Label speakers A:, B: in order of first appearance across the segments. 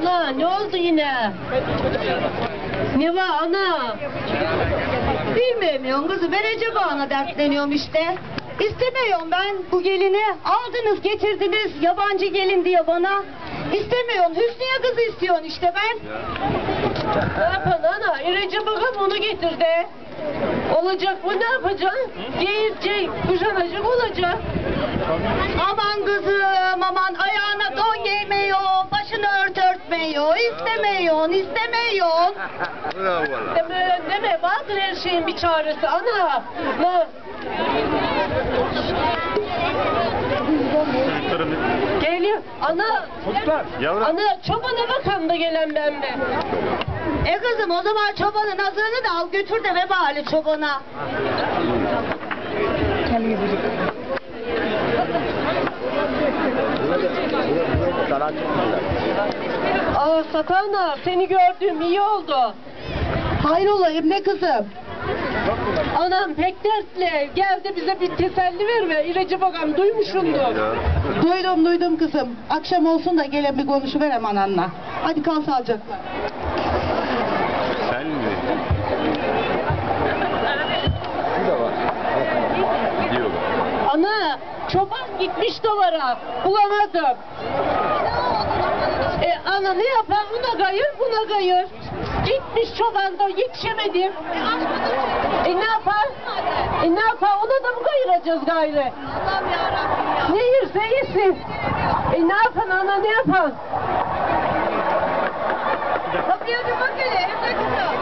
A: Ana ne oldu yine? Ne var ana?
B: Bilmiyorum kızım, ben Recep Ağa'na dertleniyorum işte. İstemiyorum ben bu gelini. Aldınız getirdiniz yabancı gelin diye bana. İstemiyorum. Hüsniye kızı istiyorsun işte ben.
A: Ne yapalım ana? Recep Ağam onu getirdi. Olacak mı, ne yapacaksın? Giyecek, kuşanacak olacak.
B: Aman kızım aman, ayağına don giymiyor, başını örtmüyor. İstemiyorsun.
A: Deme, vardır her şeyin bir çaresi ana. Ne? Geliyor. Ana. Ana çobana bakan da gelen ben mi?
B: Kızım o zaman çobanın azığını da al götür de vebali çobana.
A: Satana seni gördüğüm iyi oldu.
B: Hayrola ne kızım?
A: Anam pek dertli. Gel de bize bir teselli verme. Recep Ağam duymuşumdur.
B: Duydum kızım. Akşam olsun da gelen bir konuşuverem ananla. Hadi kal sağlıcakla.
C: Sen mi?
A: Ana çoban gitmiş dolara. Bulamadım. Ana ne yapar? Buna gayır, buna gayır. Gitmiş çoban da yetişemedim. Ne yapar? Ne yapar? Ona da mı kayıracağız gayrı?
B: Allah'ım yarabbim ya.
A: Ne yerse yesin. Ne yapan ana, ne yapan?
B: Kapıya bir bak hele evde kızım.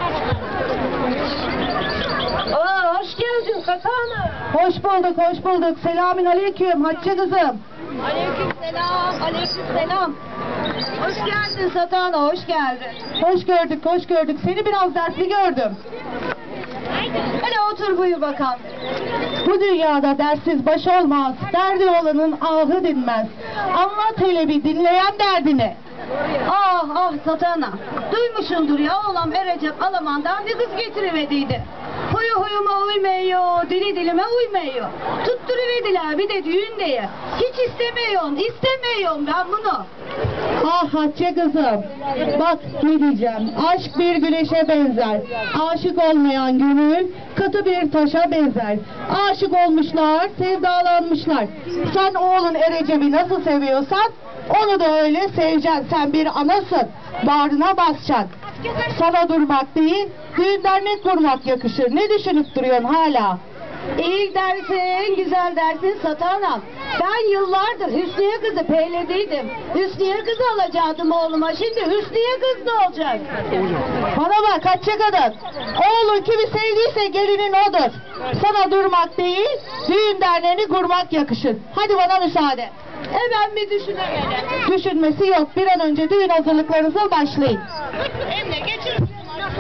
A: Hoş geldin Katana.
B: Hoş bulduk. Selamün aleyküm Hatice kızım. Aleykümselam. Hoş geldin Satana, hoş geldin. Hoş gördük. Seni biraz dersli gördüm. Hele otur buyur bakalım. Bu dünyada dersiz baş olmaz, derdi olanın ahı dinmez. Anlat hele bir dinleyen derdini. Ah Satana, duymuşsundur ya oğlan Recep Alaman'dan bir kız getirivediydi. Huyu huyuma uymuyor, dili dilime uymuyor. Tutturuverdiler bir de düğün diye. Hiç istemiyorum ben bunu. Ah Hatice kızım, bak ne diyeceğim. Aşk bir güneşe benzer. Aşık olmayan gönül katı bir taşa benzer. Aşık olmuşlar, sevdalanmışlar. Sen oğlun Recep'i nasıl seviyorsan onu da öyle seveceksin. Sen bir anasın, bağrına basacaksın. Sana durmak değil, düğün dernek kurmak yakışır. Ne düşünüp duruyorsun hala? İyi dersin, güzel dersin Satanam. Ben yıllardır Hüsniye kızı peylediydim. Hüsniye kızı alacaktım oğluma. Şimdi Hüsniye kız ne olacak? Bana bak Hatice kadın. Oğlun kimi sevdiyse gelinin odur. Sana durmak değil, düğün derneğini kurmak yakışır. Hadi bana müsaade. Ben bir düşünemedim. Düşünmesi yok. Bir an önce düğün hazırlıklarınıza başlayın. Emre geçin.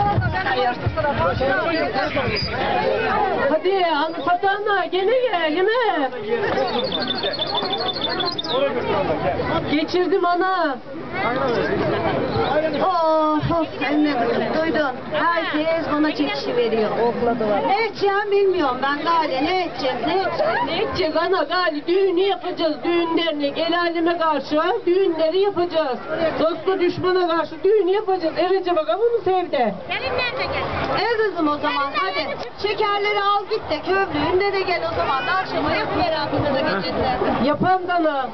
A: Hadi Satana gene mi? Geçirdim ana.
B: Emre duydun. Herkes bana çekişi veriyor. Ne edeceğim bilmiyorum ben Gali. Ne edeceğiz
A: ana gali düğünü yapacağız. Düğün dernek el aleme karşı düğünleri yapacağız. Dosta düşmana karşı düğünü yapacağız. Recep Ağam onu sevdi.
B: Kızım o zaman hadi. Şekerleri al git de köprüğünde de gel o zaman. Akşama yapıver altında da gecede.
A: Yapan dana.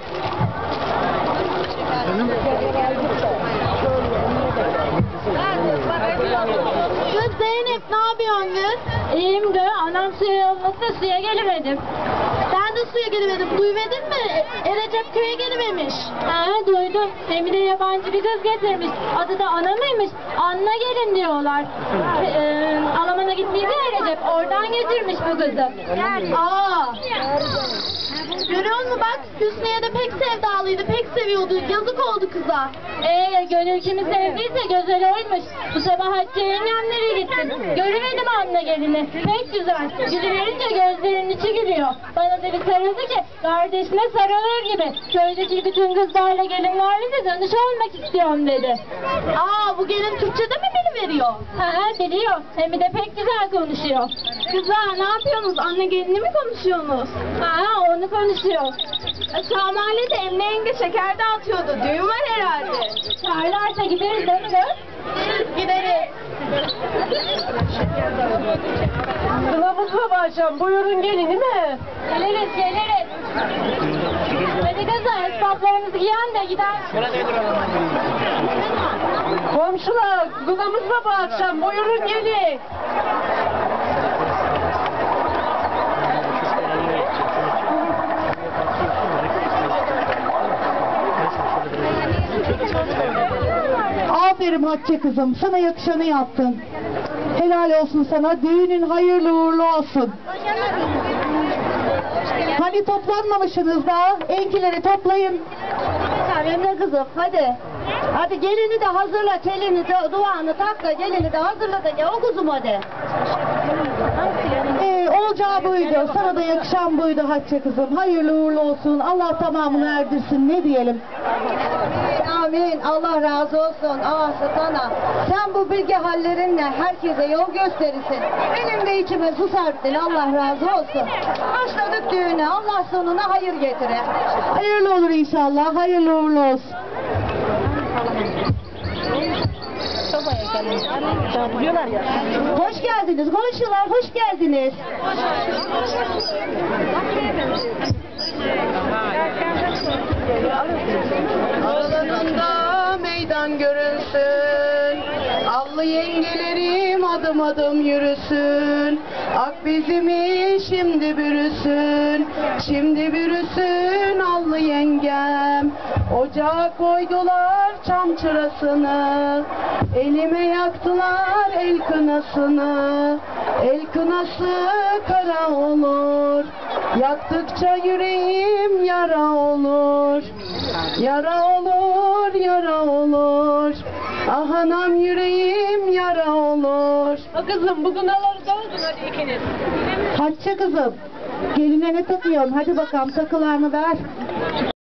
B: Kız Zeynep ne yapıyorsun kız?
D: İyiyim de anam suya yolladı, suya gelemedim.
B: Sen de suya gelmedin. Duymadın mı? Recep köye gelememiş.
D: Duydum. Hem de yabancı bir kız getirmiş. Adı da Ana mıymış? Anna gelin diyorlar. Alaman'a gitmeydi ya Recep. Oradan getirmiş bu kızı.
B: Görüyor musun bak Hüsniye de pek sevdalıydı, pek seviyordu. Yazık oldu kıza.
D: Gönül kimi sevdiyse güzel oymuş. Bu sabah Hatice yengemlere gittim. Görüverdim Anna gelini. Pek güzel. Gülüverince gözlerinin içi gülüyor. Bana da bir sarıldı ki kardeşime sarılır gibi. Köydeki bütün kızlarla gelinlerle de tanış olmak istiyorum dedi.
B: Bu gelin Türkçe'de mi biliveriyor?
D: Biliyor. Hem de pek güzel konuşuyor.
B: Kızlar ne yapıyorsunuz? Anne gelinini mi konuşuyorsunuz?
D: Onu konuşuyor.
B: Sağ mahallede Emre yenge şeker dağıtıyordu. Düğün var herhalde.
D: Çağırlarsa gideriz değil mi kız? Gideriz.
A: Kılavuzla başlayalım. Buyurun gelin değil mi?
D: Geliriz geliriz. Hadi kızlar esbaplarımızı giyen de gider.
A: Komşular kılavuzla bu akşam. Buyurun gelin.
B: Aferin Hatice kızım, sana yakışanı yaptın. Helal olsun sana, düğünün hayırlı uğurlu olsun. Hani toplanmamışsınız daha, enkileri toplayın.
A: Emre kızım hadi. Hadi gelini de hazırla, telini de, duanı tak da gelini de hazırla da gel o kuzum hadi.
B: Olacağı buydu, sana da yakışan buydu Hatice kızım. Hayırlı uğurlu olsun, Allah tamamını erdirsin, ne diyelim.
A: Amin. Allah razı olsun. Sana. Sen bu bilgi hallerinle herkese yol gösterirsin. Benim de içime su serptin. Allah razı olsun. Başladık düğüne. Allah sonuna hayır getirir.
B: Hayırlı olur inşallah, hayırlı uğurlu olsun.
A: Hoş geldiniz. Komşular hoş geldiniz.
C: Aralarında meydan görünsün, allı yengelerim adım adım yürüsün. Ak bizimi şimdi bürüsün, şimdi bürüsün allı yengem. Ocağa koydular çam çırasını, elime yaktılar el kınasını. El kınası kara olur, yaktıkça yüreğim yara olur. Yara olur, yara olur. Ah anam yüreğim yara olur.
A: Kızım bugün alalım hadi ikiniz.
B: Hatice kızım, geline ne takıyorsun? Hadi bakalım takılarını ver.